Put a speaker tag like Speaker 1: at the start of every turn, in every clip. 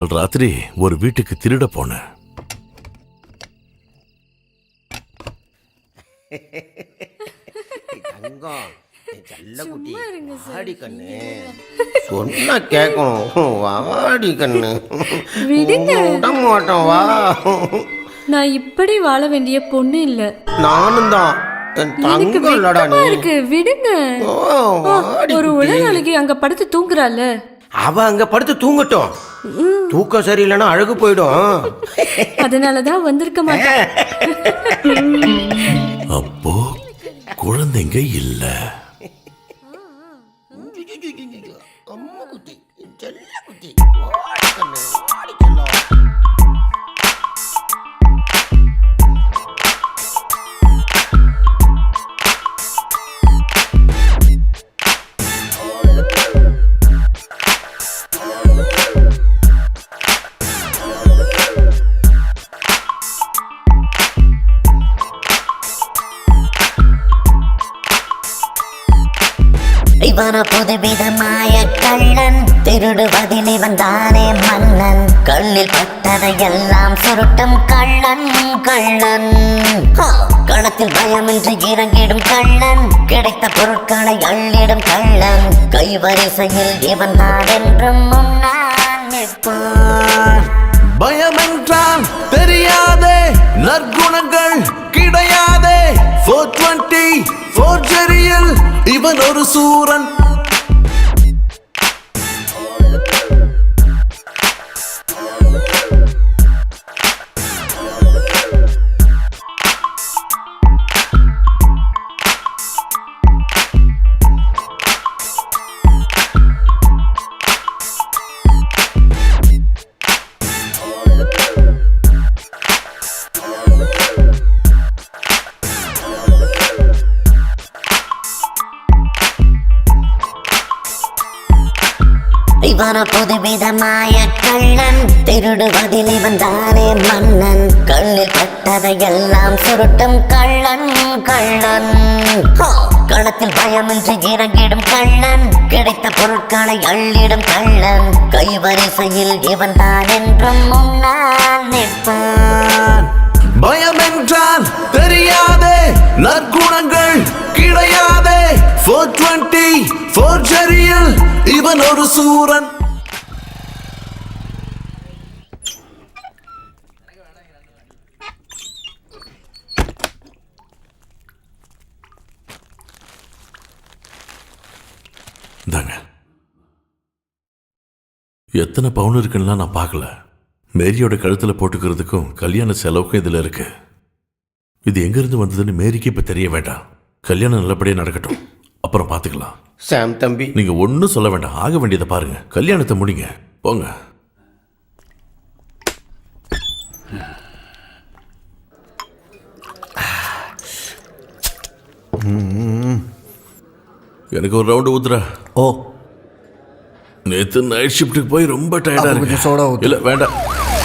Speaker 1: ராத்திரி ஒரு வீட்டுக்கு திருட போனேன்.
Speaker 2: சொன்னா கேட்கணும். வாடி கண்ணு, விட மாட்டோம். வா.
Speaker 3: நான் இப்படி வாழ வேண்டிய பொண்ணு இல்ல.
Speaker 2: நானும் தான்.
Speaker 3: இருக்கு விடுங்க. ஒரு உலகாளிக்கு அங்க படுத்து தூங்குறாள்.
Speaker 2: அவ அங்க படுத்து தூங்கட்டும். தூக்கம் சரியில்லைன்னா அழகு போயிடும்.
Speaker 3: அதனாலதான் வந்திருக்க மாட்டேன்.
Speaker 1: அப்போ குழந்தைங்க இல்ல.
Speaker 4: இவன புதுவிதமாய கள்ளன், திருடுவதில் இவன் தானே மன்னன். கண்ணில் பட்டதையெல்லாம் சுருட்டும் கள்ளன் கள்ளன். களத்தில் பயமின்றி இறங்கிடும் கள்ளன், கிடைத்த பொருட்களை அள்ளிடும் கள்ளன். கைவரிசையில் இவன் தான் என்றும் முன்னால் நிற்பான்.
Speaker 1: பயமென்றால் தெரியாதே, நற்குணங்கள் கிடையாதே. 420 ஃபோர்ஜரியில் இவன் ஒரு சூரன்.
Speaker 4: இவன புதுவிதமாய கள்ளன், திருடுவதில் இவன் தானே மன்னன். கண்ணில் பட்டதையெல்லாம் சுருட்டும் கள்ளன் கள்ளன். களத்தில் பயமின்றி இறங்கிடும் கள்ளன், கிடைத்த பொருட்களை அள்ளிடும் கள்ளன். கைவரிசையில் இவன் தான் என்றும் முன்னால் நிற்பான்.
Speaker 1: பயமென்றால் தெரியாதே, நற்குணங்கள் கிடையாதே. 420 ஃபோர்ஜரியில் இவன் ஒரு சூரன். இந்தாங்க. எத்தனை பவுன் இருக்குன்னா நான் பார்க்கல. மேரியோட கழுத்துல போட்டுக்கிறதுக்கும் கல்யாண செலவுக்கும் இதுல இருக்கு. இது எங்க இருந்து வந்ததுன்னு மேரிக்கு இப்ப தெரிய வேண்டாம். கல்யாணம் நல்லபடியா நடக்கட்டும், அப்புறம் பாத்துக்கலாம்.
Speaker 2: சாம் தம்பி,
Speaker 1: நீங்க ஒன்னும் சொல்ல வேண்டாம். ஆக வேண்டியதை பாருங்க. கல்யாணத்தை முடிங்க, போங்க. எனக்கு ஒரு ரவுண்டு ஊத்துற.
Speaker 5: ஓ,
Speaker 1: நேத்து நைட் ஷிஃப்ட்டுக்கு போய் ரொம்ப டயர்டா இருக்கு.
Speaker 5: சோடா ஊத்து.
Speaker 1: இல்ல வேண்டாம்.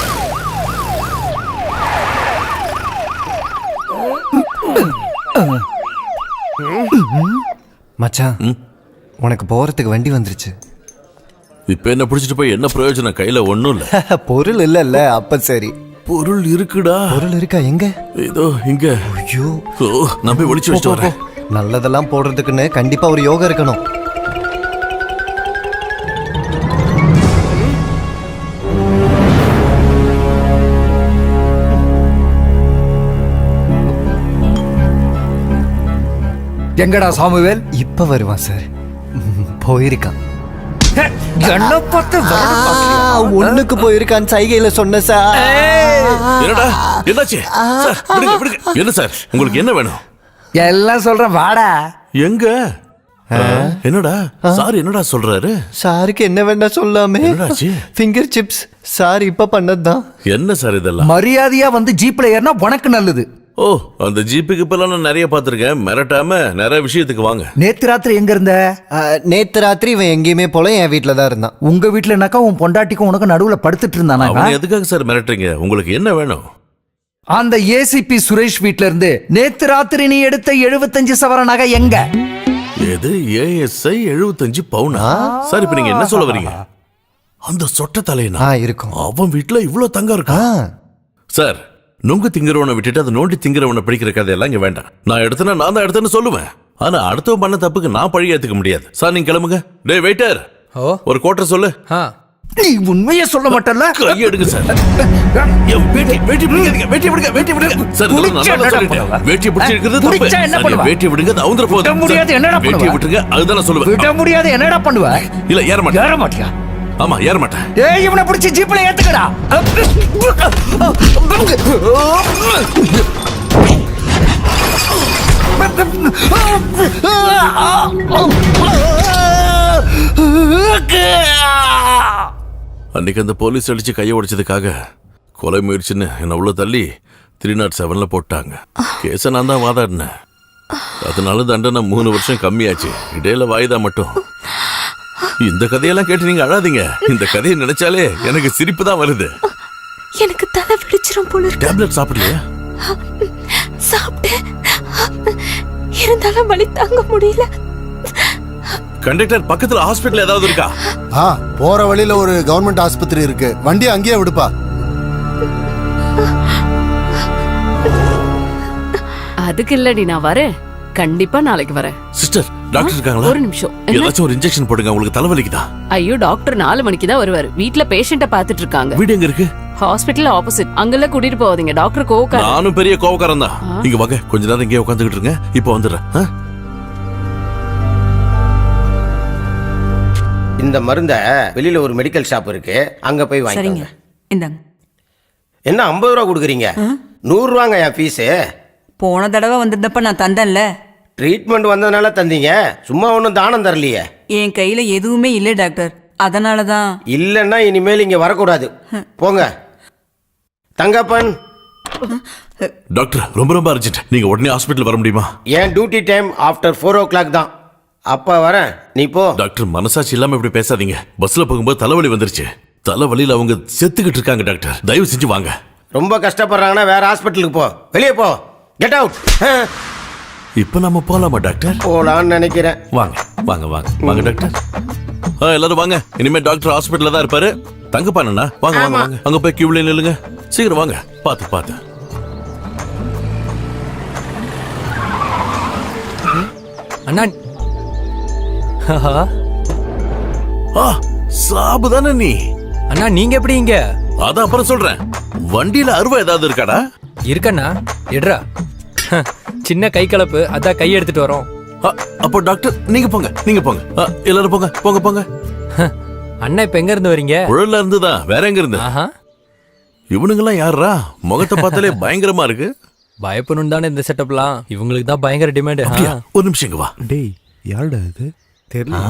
Speaker 5: மச்சான், உனக்கு போறதுக்கு வண்டி வந்துருச்சு.
Speaker 1: இப்ப என்ன பிடிச்சிட்டு போய் என்ன பிரயோஜனம்? கையில ஒண்ணும் இல்ல.
Speaker 5: பொருள் இல்ல. அப்ப சரி.
Speaker 1: பொருள் இருக்குடா.
Speaker 5: பொருள் இருக்கா? எங்க?
Speaker 1: இதோ இங்க.
Speaker 5: ஐயோ,
Speaker 1: நான் போய் ஒளிச்சு வச்சுட்டு வரேன்.
Speaker 5: நல்லதெல்லாம் போடுறதுக்குன்னு கண்டிப்பா ஒரு யோகா இருக்கணும்.
Speaker 6: எங்கடா சாமுவேல்?
Speaker 5: இப்ப வருவான் சார். போயிருக்கான். ஒண்ணுக்கு போயிருக்கான் சைகையில சொன்ன சார்.
Speaker 1: என்னடா என்னாச்சு? என்ன சார் உங்களுக்கு என்ன வேணும்?
Speaker 6: எல்லாம் சொல்றேன், வாடா.
Speaker 1: எங்க? என்னடா சார் என்னடா சொல்றாரு?
Speaker 5: சாருக்கு என்ன வேண்டாம் சொல்லாமே. ஃபிங்கர் சிப்ஸ் சார் இப்ப பண்ணதுதான்.
Speaker 1: என்ன சார் இதெல்லாம்?
Speaker 6: மரியாதையா வந்து ஜீப்ல ஏறினா உனக்கு நல்லது.
Speaker 1: ஓ, அந்த ஜீப்புக்கு இப்பெல்லாம் நான் நிறைய பார்த்துருக்கேன். மிரட்டாம நிறைய விஷயத்துக்கு வாங்க.
Speaker 6: நேத்து ராத்திரி எங்க இருந்த?
Speaker 5: நேத்து ராத்திரி இவன் எங்கேயுமே போல, என் வீட்டுல தான் இருந்தான்.
Speaker 6: உங்க வீட்டுலனாக்கா உன் பொண்டாட்டிக்கும் உனக்கு நடுவுல படுத்துட்டு இருந்தானா?
Speaker 1: எதுக்காக சார் மிரட்டுறீங்க? உங்களுக்கு என்ன வேணும்?
Speaker 6: அந்த ஏசிபி சுரேஷ் வீட்ல இருந்து நேத்து ராத்திரி நீ எடுத்த 75 சவர நகை எங்க?
Speaker 1: எது? ஏஎஸ்ஐ 75 பவுனா? சார் இப்ப நீங்க என்ன சொல்ல வரீங்க? அந்த சொட்ட தலையனா
Speaker 5: இருக்கும்.
Speaker 1: அவன் வீட்டுல இவ்வளவு தங்கம் இருக்கா? சார், நுங்கு திங்கிறவனை விட்டுட்டு அதை நோண்டி திங்கிறவனை பிடிக்கிற கதையெல்லாம் இங்க வேண்டாம். நான் எடுத்தேன்னா நான் தான் எடுத்தேன்னு சொல்லுவேன். ஆனா அடுத்தவன் பண்ண தப்புக்கு நான் பழி ஏத்துக்க முடியாது. சார் நீங்க கிளம்புங்க. டேய் வெயிட்டர், ஒரு குவார்டர் சொல்லு.
Speaker 6: நீ உண்மையே சொல்ல மாட்டல்ல?
Speaker 1: கை எடுங்க சார். என் வேட்டி பிடிக்காதீங்க. வேட்டி விடுங்க. சார் நல்லா சொல்லிட்டேன். வேட்டி பிடிச்சி இருக்கிறது தப்பு.
Speaker 6: பிடிச்சா என்ன பண்ணுவ?
Speaker 1: வேட்டி விடுங்க, அது அவுந்தற போகுது.
Speaker 6: விட முடியாது, என்னடா பண்ணுவ?
Speaker 1: வேட்டி விட்டுருங்க, அதுதான் நான் சொல்லுவேன்.
Speaker 6: விட முடியாது, என்னடா பண்ணுவ?
Speaker 1: இல்ல ஏற மாட்டேன்.
Speaker 6: ஏற மாட்டியா?
Speaker 1: ஆமா ஏற மாட்டேன்.
Speaker 6: ஏய், இவனை பிடிச்சி ஜீப்ல ஏத்துக்கடா.
Speaker 1: அன்னைக்கு அந்த போலீஸ் அடிச்சு கையை உடைச்சதுக்காக கொலை முயற்சின்னு என்ன உள்ள தள்ளி 307ல போட்டாங்க. கேஸ நான் தான் வாதாடினேன். அதனால தண்டனை 3 வருஷம் கம்மியாச்சு. இடையில வாய்தா மட்டும். இந்த கதையெல்லாம் கேட்டு நீங்க அழாதீங்க. இந்த கதையை நினைச்சாலே எனக்கு சிரிப்பு தான் வருது.
Speaker 3: எனக்கு தலை வெடிச்சிரும் போல இருக்கு.
Speaker 1: டேப்லெட் சாப்பிடலையா?
Speaker 3: சாப்பிட்டேன், இருந்தாலும் வலி தாங்க முடியல.
Speaker 1: கண்டக்டர், பக்கத்துல ஹாஸ்பிடல் ஏதாவது இருக்கா?
Speaker 7: போற வழியில ஒரு கவர்மெண்ட் ஆஸ்பத்திரி இருக்கு, வண்டி அங்கேயே விடுப்பா.
Speaker 8: அதுக்கு இல்லடி, நான் வரேன். கண்டிப்பா நாளைக்கு வரேன்.
Speaker 1: சிஸ்டர், டாக்டர் இருக்காங்களா?
Speaker 8: ஒரு நிமிஷம்.
Speaker 1: ஏதாச்சும் ஒரு இன்ஜெக்ஷன் போடுங்க, உங்களுக்கு தலைவலிக்குதா?
Speaker 8: ஐயோ, டாக்டர் 4 மணிக்கு தான் வருவாரு. வீட்ல பேஷண்ட்ட பாத்துட்டு இருக்காங்க.
Speaker 1: வீடு எங்க இருக்கு?
Speaker 8: Hospital opposite. அங்கெல்லாம் கூட்டிட்டு போவாதீங்க, டாக்டர் கோவக்கார.
Speaker 1: நானும் பெரிய கோவக்காரன் தான். இங்க வாங்க, கொஞ்ச நேரம் இங்கே உட்காந்துக்கிட்டு இருங்க. இப்போ வந்துடுறேன்.
Speaker 2: இந்த மருந்த வெளியில ஒரு மெடிக்கல் ஷாப் இருக்கு, அங்க போய் வாங்கிக்கோங்க.
Speaker 9: இந்தாங்க.
Speaker 2: என்ன 50 ரூபா கொடுக்குறீங்க? 100 ரூபாங்க என் ஃபீஸு.
Speaker 9: போன தடவை வந்திருந்தப்ப நான் தந்தேன்ல.
Speaker 2: ட்ரீட்மெண்ட் வந்ததுனால தந்தீங்க, சும்மா ஒன்றும் தானம் தரலையே.
Speaker 9: என் கையில எதுவுமே இல்லை டாக்டர், அதனால தான்.
Speaker 2: இல்லைன்னா இனிமேல் இங்க வரக்கூடாது, போங்க. தங்கப்பன்.
Speaker 1: டாக்டர், ரொம்ப ரொம்ப அர்ஜென்ட். நீங்க உடனே ஹாஸ்பிடல் வர முடியுமா?
Speaker 2: என் டியூட்டி டைம் ஆஃப்டர் 4 o'clock தான். அப்பா வரேன், நீ போ.
Speaker 1: டாக்டர், மனசாட்சி இல்லாம இப்படி பேசாதீங்க. பஸ்ல போகும்போது தலைவலி வந்துருச்சு. தலைவலியில அவங்க செத்துக்கிட்டு இருக்காங்க. டாக்டர், தயவு செஞ்சு வாங்க.
Speaker 2: ரொம்ப கஷ்டப்படுறாங்கன்னா வேற ஹாஸ்பிட்டலுக்கு போ. வெளியே போ, கெட் அவுட்.
Speaker 1: இப்ப நம்ம போலாமா டாக்டர்?
Speaker 2: போலான்னு நினைக்கிறேன்.
Speaker 1: வாங்க வாங்க வாங்க வாங்க டாக்டர். எல்லாரும் வாங்க. இனிமே டாக்டர் ஹாஸ்பிட்டல்ல தான் இருப்பாரு. தங்கப்பானா, வாங்க வாங்க வாங்க. அங்க போய் கியூல நில்லுங்க. சீக்கிரம் வாங்க. பாத்து பாத்து.
Speaker 5: அண்ணா,
Speaker 1: சாபுதானே நீ?
Speaker 5: அண்ணா நீங்க எப்படி இங்க?
Speaker 1: அதான் அப்புறம் சொல்றேன். வண்டியில அருவா ஏதாவது இருக்காடா?
Speaker 5: இருக்கண்ணா, எடுறா. சின்ன கை கலப்பு, அதான் கை எடுத்துட்டு வரோம்.
Speaker 1: அப்போ டாக்டர் நீங்க போங்க, நீங்க போங்க. எல்லாரும் போங்க போங்க போங்க.
Speaker 5: அண்ணா இப்ப எங்க இருந்து வரீங்க?
Speaker 1: உழல்ல இருந்து தான். வேற எங்க இருந்து? இவனுங்கெல்லாம் யாரா? முகத்தை பார்த்தாலே பயங்கரமா இருக்கு.
Speaker 5: பயப்படணும் தானே இந்த செட்டப்லாம். இவங்களுக்கு தான் பயங்கர டிமாண்ட்.
Speaker 1: ஒரு நிமிஷம் இங்க வா.
Speaker 7: டேய், யாருடா இது? தெரியல.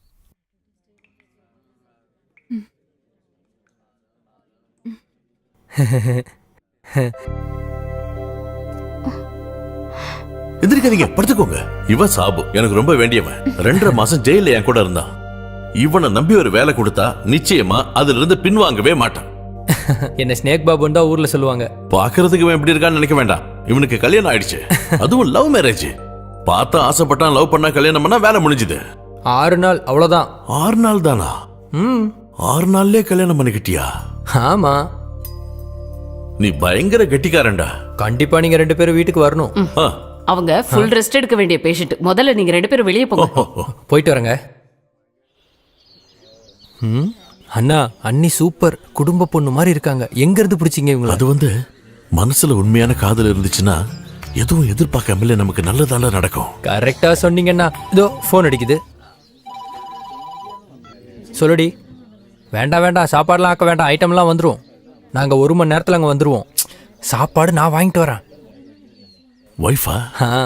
Speaker 1: எந்திரிக்காதீங்க, படுத்துக்கோங்க. இவன் சாபு, எனக்கு ரொம்ப வேண்டியவன். 2.5 மாசம் ஜெயில என் கூட இருந்தான். இவனை நம்பி ஒரு வேலை கொடுத்தா நிச்சயமா அதுல இருந்து பின்வாங்கவே மாட்டான்.
Speaker 5: என்ன ஸ்னேக் பாபுன்னு தான் ஊர்ல சொல்லுவாங்க.
Speaker 1: பாக்குறதுக்கு இவன் எப்படி இருக்கான்னு நினைக்க வேண்டாம். இவனுக்கு கல்யாணம் ஆயிடுச்சு, அதுவும் லவ் மேரேஜ். பார்த்தா ஆசைப்பட்டான், லவ் பண்ணா கல்யாணம் பண்ணா வேலை முடிஞ்சுது.
Speaker 5: 6 நாள் அவ்வளவுதான்.
Speaker 1: 6 நாள் தானா? 6 நாள்லயே கல்யாணம் பண்ணிக்கிட்டியா?
Speaker 5: ஆமா.
Speaker 1: நீ பயங்கர கெட்டிக்காரன்டா.
Speaker 5: கண்டிப்பா நீங்க 2 பேரும் வீட்டுக்கு வரணும்.
Speaker 8: அவங்க ஃபுல் ரெஸ்ட் எடுக்க வேண்டிய பேஷண்ட். முதல்ல நீங்க 2 பேரும் வெளியே போங்க.
Speaker 5: போயிட்டு வரங்க. அண்ணா, அண்ணி சூப்பர். குடும்ப பொண்ணு மாதிரி இருக்காங்க. எங்க இருந்து பிடிச்சிங்க இவங்க?
Speaker 1: அது மனசுல உண்மையான காதல் இருந்துச்சுன்னா எதுவும் எதிர்பார்க்காமலே நமக்கு நல்லதால நடக்கும்.
Speaker 5: கரெக்டா சொன்னீங்கண்ணா. இதோ போன் அடிக்குது. சொல்லுடி. வேண்டாம் வேண்டாம், சாப்பாடுலாம் ஆக்க வேண்டாம். ஐட்டம்லாம் வந்துடும். நாங்க 1 மணி நேரத்துல அங்க வந்துருவோம். சாப்பாடு நான் வாங்கிட்டு வரேன்.
Speaker 1: வைஃபா?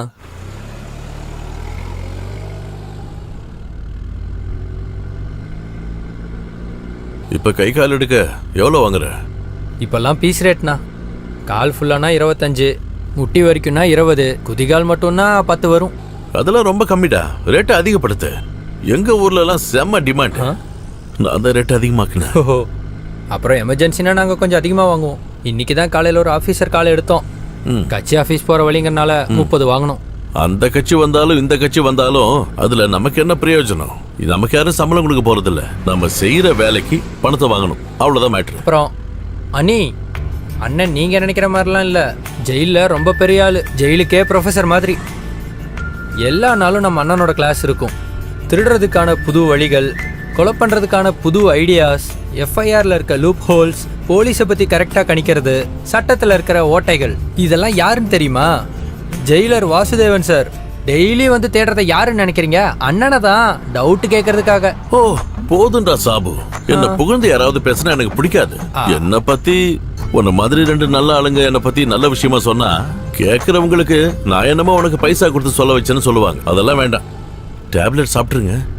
Speaker 1: இப்ப கை கால் எடுக்க எவ்வளவு வாங்குற?
Speaker 5: இப்பெல்லாம் பீஸ் ரேட்னா. கால் ஃபுல்லானா 25, முட்டி வரைக்கும்னா 20, குதிகால் மட்டும்னா 10 வரும்.
Speaker 1: அதெல்லாம் ரொம்ப கம்மிடா. ரேட்டை அதிகப்படுத்து. எங்க ஊர்ல எல்லாம் செம்ம டிமாண்ட். நான் அந்த ரேட்டை அதிகமாக்குனேன்.
Speaker 5: ஓஹோ. அப்புறம் எமர்ஜென்சினா நாங்க கொஞ்சம் அதிகமா வாங்குவோம். இன்னைக்கு தான் காலையில ஒரு ஆபீசர் காலை எடுத்தோம். கட்சி ஆபீஸ் போற வழிங்கறனால 30 வாங்கணும்.
Speaker 1: அந்த கட்சி வந்தாலும் இந்த கட்சி வந்தாலும் அதுல நமக்கு என்ன பிரயோஜனம்? நமக்கு யாரும் சம்பளம் கொடுக்க போறதில்ல. நம்ம செய்யற வேலைக்கு பணத்தை வாங்கணும், அவ்வளவுதான் மேட்ரு.
Speaker 5: அப்புறம் அண்ணி, அண்ணன் நீங்க நினைக்கிற மாதிரிலாம் இல்ல. ஜெயில ரொம்ப பெரிய ஆளு, ஜெயிலுக்கே ப்ரொஃபசர் மாதிரி. எல்லா நாளும் நம்ம அண்ணனோட கிளாஸ் இருக்கும். திருடுறதுக்கான புது வழிகள், கொலை பண்றதுக்கான புது ஐடியாஸ், எஃப்ஐஆர்ல இருக்க லூப் ஹோல்ஸ், போலீஸை பத்தி கரெக்டா கணிக்கிறது, சட்டத்துல இருக்கிற ஓட்டைகள், இதெல்லாம் யாருன்னு தெரியுமா? Jailer Vasudevan sir. டெய்லி வந்து தேடுறத யாருன்னு நினைக்கிறீங்க? அண்ணனை தான், டவுட் கேட்கறதுக்காக.
Speaker 1: ஓ போதும்டா சாபு, என்ன புகழ்ந்து யாராவது பேசினா எனக்கு பிடிக்காது. என்ன பத்தி உன்ன மாதிரி 2 நல்ல ஆளுங்க என்ன பத்தி நல்ல விஷயமா சொன்னா கேட்கறவங்களுக்கு நான் என்னமோ உனக்கு பைசா கொடுத்து சொல்ல வச்சேன்னு சொல்லுவாங்க. அதெல்லாம் வேண்டாம். டேப்லெட் சாப்பிட்டுருங்க.